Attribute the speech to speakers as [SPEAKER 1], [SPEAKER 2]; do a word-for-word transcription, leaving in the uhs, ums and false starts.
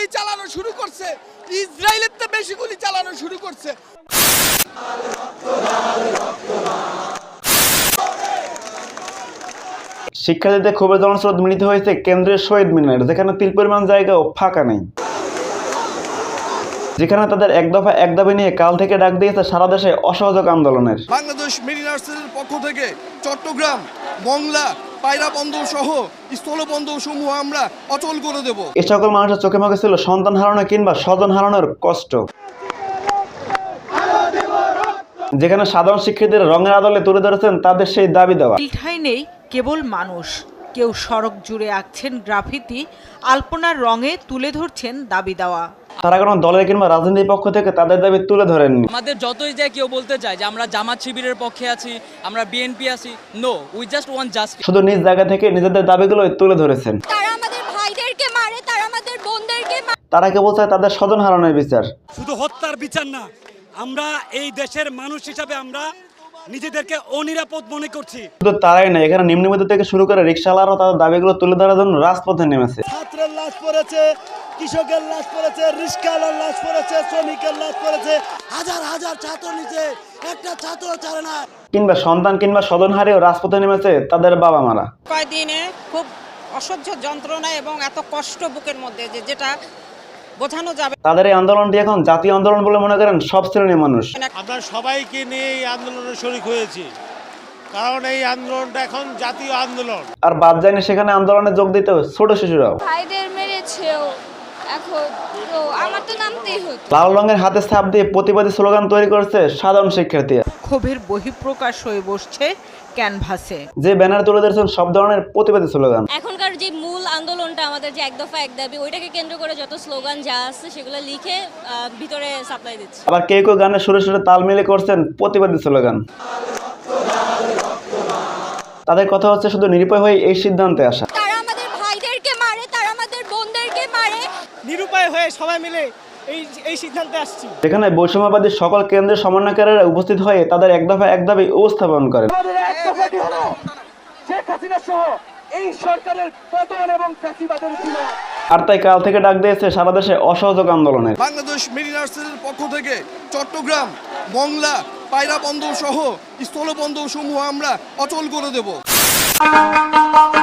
[SPEAKER 1] চালানো শুরু করছে, ইসরায়েলের তো বেশি গুলি চালানো শুরু করছে।
[SPEAKER 2] শিক্ষার্থীদের ক্ষোভের জনস্রোত মিলিত হয়েছে কেন্দ্রীয় শহীদ মিনার, যেখানে তিল পরিমাণ জায়গাও ফাঁকা নেই, যেখানে তাদের এক দফা এক দাবি নিয়ে কাল থেকে ডাক দিয়েছে সারা দেশে অসহযোগ আন্দোলনের।
[SPEAKER 1] বাংলাদেশ মেরিনার্সের পক্ষ থেকে চট্টগ্রাম, মংলা, পায়রা বন্দর সহ স্থলবন্দর সমূহ আমরা অচল করে দেব।
[SPEAKER 2] এ সকল মানুষের চোখে মুখে ছিল সন্তান হারানো কিংবা স্বজন হারানোর কষ্ট, যেখানে সাধারণ শিক্ষার্থীরা রঙের আদলে তুলে ধরেছেন তাদের সেই দাবি দেওয়া।
[SPEAKER 3] ঠাঁই নেই কেবল মানুষ, কেউ সড়ক জুড়ে আঁকছেন গ্রাফিতি, আলপনার রঙে তুলে ধরছেন দাবি দেওয়া।
[SPEAKER 2] তারা কোনো দলের কিংবা রাজনৈতিক পক্ষ থেকে তাদের দাবি তুলে ধরেননি।
[SPEAKER 4] আমাদের যতই যায় কেউ বলতে চায় যে আমরা জামাত শিবিরের পক্ষে আছি, আমরা বিএনপি আছি, no, we just want justice.
[SPEAKER 2] শুধু নিজ জায়গা থেকে নিজেদের দাবিগুলোই তুলে ধরেছেন।
[SPEAKER 5] তারা আমাদের ভাইদেরকে মারে, তারা আমাদের বোনদেরকে মারে।
[SPEAKER 2] তারা কেবল চায় তাদের স্বজন হারানোর বিচার,
[SPEAKER 6] শুধু হত্যার বিচার না। আমরা এই দেশের মানুষ হিসাবে আমরা নিজেদেরকে অনিরাপদ মনে করছি।
[SPEAKER 2] শুধু তারাই না, এখানে নিম্নবিত্ত থেকে শুরু করে রিকশাওয়ালারাও তাদের দাবিগুলো তুলে ধরার জন্য রাজপথে নেমেছে।
[SPEAKER 7] ছাত্রের লাশ পড়েছে, কৃষকের লাশ পড়েছে, রিকশাওয়ালার লাশ পড়েছে, শ্রমিকের লাশ পড়েছে, হাজার হাজার ছাত্র নিচে একটা ছাত্র ছাড়ে না।
[SPEAKER 2] কিংবা সন্তান কিংবা স্বজন হারিয়েও রাজপথে নেমেছে তাদের বাবা মারা।
[SPEAKER 8] কয়দিনে খুব অসহ্য যন্ত্রণা এবং এত কষ্ট বুকের মধ্যে যে যেটা বোঝানো যাবে।
[SPEAKER 2] তাদের এই আন্দোলনটি এখন জাতীয় আন্দোলন বলে মনে করেন সব শ্রেণীর মানুষ।
[SPEAKER 7] আমরা সবাইকে নিয়ে এই আন্দোলনে শরিক হয়েছি, কারণ এই আন্দোলনটা এখন জাতীয় আন্দোলন।
[SPEAKER 2] আর বাদ যায়নি সেখানে আন্দোলনে যোগ দিতে ছোট শিশুরাও।
[SPEAKER 5] ভাইদের মেরেছেও, এখন তো আমার তো নামতেই হতো।
[SPEAKER 2] লাল রঙের হাতে ছাপ দিয়ে প্রতিবাদী স্লোগান তৈরি করেছে সাধারণ শিক্ষার্থীরা।
[SPEAKER 3] ক্ষোভের বহিঃপ্রকাশ হয়ে বসছে ক্যানভাসে,
[SPEAKER 2] যে ব্যানার তুলে ধরেছেন সব ধরনের প্রতিবাদী স্লোগান।
[SPEAKER 5] এখনকার যে মূল আন্দোলনটা আমাদের যে এক দফা এক দাবি, ওইটাকে কেন্দ্র করে যত স্লোগান যা আছে সেগুলো লিখে ভিতরে সাপ্লাই দিচ্ছে।
[SPEAKER 2] আবার কেউ কেউ গানের সুরে সুরে তাল মিলে করছেন প্রতিবাদী স্লোগান। তাদের কথা হচ্ছে শুধু নিরুপায় হয়ে এই সিদ্ধান্তে আসা।
[SPEAKER 5] তারা আমাদের ভাইদেরকে মারে, তারা আমাদের বোনদেরকে মারে।
[SPEAKER 7] নিরুপায় হয়ে সবাই মিলে এই এই সিদ্ধান্তে আসছি।
[SPEAKER 2] যেখানে বৈষম্যবাদী সকল কেন্দ্রের সমন্বয়কারীরা উপস্থিত হয়ে তাদের এক দফা এক দাবি উপস্থাপন করেন।
[SPEAKER 7] আমাদের এক দফাটি হলো শেখ হাসিনা সহ এই সরকারের পতন এবং ফ্যাসিবাদের ছিল।
[SPEAKER 2] আর তাই কাল থেকে ডাক দিয়েছে সারা দেশে অসহযোগ আন্দোলনের।
[SPEAKER 1] বাংলাদেশ মেরিনার্সের পক্ষ থেকে চট্টগ্রাম, মংলা, পায়রা বন্দর সহ স্থলবন্দর সমূহ আমরা অচল করে দেব।